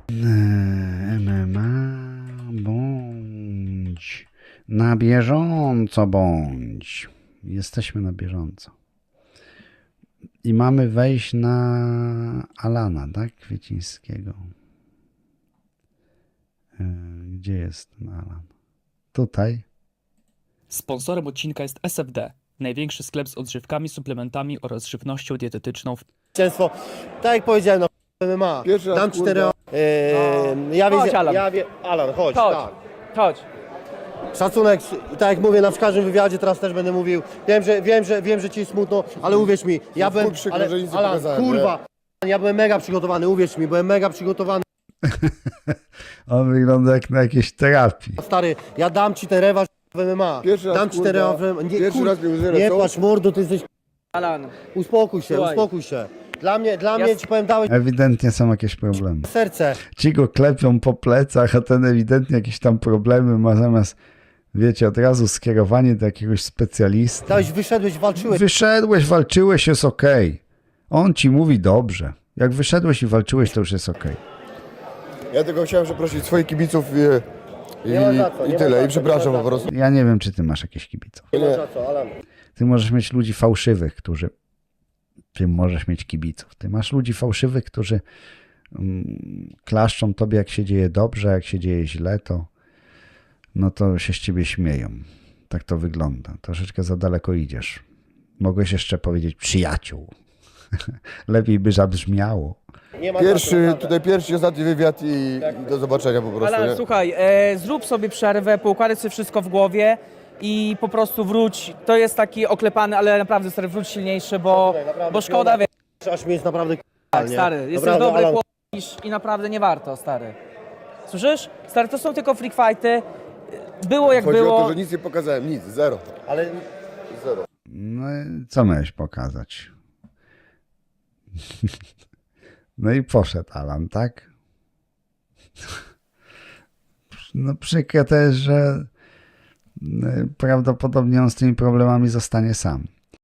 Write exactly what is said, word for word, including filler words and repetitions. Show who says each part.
Speaker 1: M M A bądź na bieżąco bądź. Jesteśmy na bieżąco. I mamy wejść na Alana, tak? Kwiecińskiego. Gdzie jest ten Alan? Tutaj.
Speaker 2: Sponsorem odcinka jest S F D, największy sklep z odżywkami, suplementami oraz żywnością dietetyczną w
Speaker 3: Zwycięstwo. Tak jak powiedziałem, no M M A.
Speaker 4: Pierwszy raz,
Speaker 3: Dam
Speaker 4: kurwa.
Speaker 3: cztery. Yy, ja
Speaker 5: Chodź,
Speaker 3: wiedzia-
Speaker 5: Alan.
Speaker 3: Ja wie- Alan, chodź.
Speaker 5: Chodź,
Speaker 3: Tak.
Speaker 5: chodź.
Speaker 3: Szacunek, i tak jak mówię na każdym wywiadzie, teraz też będę mówił. Wiem, że wiem, że wiem, że ci jest smutno, ale uwierz mi, ja
Speaker 4: No,
Speaker 3: byłem.
Speaker 4: chuj przykro,
Speaker 3: Ale,
Speaker 4: że nic nie
Speaker 3: Alan,
Speaker 4: pokazałem,
Speaker 3: kurwa, ja byłem mega przygotowany, uwierz mi, byłem mega przygotowany.
Speaker 1: On wygląda jak na jakiejś terapii.
Speaker 3: Stary, ja dam ci ten rewanż w M M A.
Speaker 4: Pierwszy raz,
Speaker 3: dam ci ten
Speaker 4: kurwa,
Speaker 3: rewanż w M M A. Nie,
Speaker 4: pierwszy
Speaker 3: kur-
Speaker 4: raz mnie łzy
Speaker 3: nie
Speaker 4: lecą.
Speaker 3: płacz mordu, ty jesteś.
Speaker 5: Alan,
Speaker 3: Uspokój się,
Speaker 5: Słuchaj.
Speaker 3: uspokój się. Dla mnie, dla
Speaker 5: Ja
Speaker 3: mnie
Speaker 5: s-
Speaker 3: ci powiem, dałeś
Speaker 1: Ewidentnie są jakieś problemy.
Speaker 3: serce.
Speaker 1: Ci go klepią po plecach, a ten ewidentnie jakieś tam problemy ma, zamiast, wiecie, od razu skierowanie do jakiegoś specjalisty.
Speaker 3: Dałeś, wyszedłeś, walczyłeś.
Speaker 1: Wyszedłeś, walczyłeś, jest okej. On ci mówi dobrze. Jak wyszedłeś i walczyłeś, to już jest okej.
Speaker 4: Ja tylko chciałem przeprosić swoich kibiców i, i,
Speaker 3: Nie ma za co,
Speaker 4: i
Speaker 3: nie ma
Speaker 4: tyle.
Speaker 3: za
Speaker 4: I
Speaker 3: co,
Speaker 4: przepraszam
Speaker 3: nie ma
Speaker 4: po
Speaker 3: za
Speaker 4: prostu.
Speaker 1: Ja nie wiem, czy ty masz jakieś kibiców.
Speaker 3: Nie ma
Speaker 4: Nie.
Speaker 3: za co, Alan.
Speaker 1: Ty możesz mieć ludzi fałszywych, którzy... Ty możesz mieć kibiców. Ty masz ludzi fałszywych, którzy mm, klaszczą tobie, jak się dzieje dobrze, jak się dzieje źle, to no to się z ciebie śmieją. Tak to wygląda. Troszeczkę za daleko idziesz. Mogłeś jeszcze powiedzieć przyjaciół. Lepiej by zabrzmiało.
Speaker 3: Nie ma za co,
Speaker 4: Pierwszy,
Speaker 3: naprawdę.
Speaker 4: tutaj pierwszy, ostatni wywiad i, i do zobaczenia po prostu.
Speaker 5: Alan,
Speaker 4: Nie?
Speaker 5: słuchaj, e, zrób sobie przerwę, poukładaj sobie wszystko w głowie i po prostu wróć. To jest taki oklepany, ale naprawdę stary, wróć silniejszy, bo,
Speaker 3: Szacunek, naprawdę,
Speaker 5: bo szkoda, wiesz,
Speaker 3: Aż mi jest naprawdę
Speaker 5: tak,
Speaker 3: nie?
Speaker 5: stary, jesteś
Speaker 3: Naprawdę,
Speaker 5: dobry
Speaker 3: Alan,
Speaker 5: chłop i naprawdę nie warto, stary. Słyszysz? Stary, to są tylko freak fighty. Było jak
Speaker 4: Chodzi
Speaker 5: było.
Speaker 4: o to, że nic nie pokazałem, nic, zero.
Speaker 3: ale
Speaker 4: Zero.
Speaker 1: No i co miałeś pokazać? No i poszedł Alan, tak? No przykre też, że y, prawdopodobnie on z tymi problemami zostanie sam.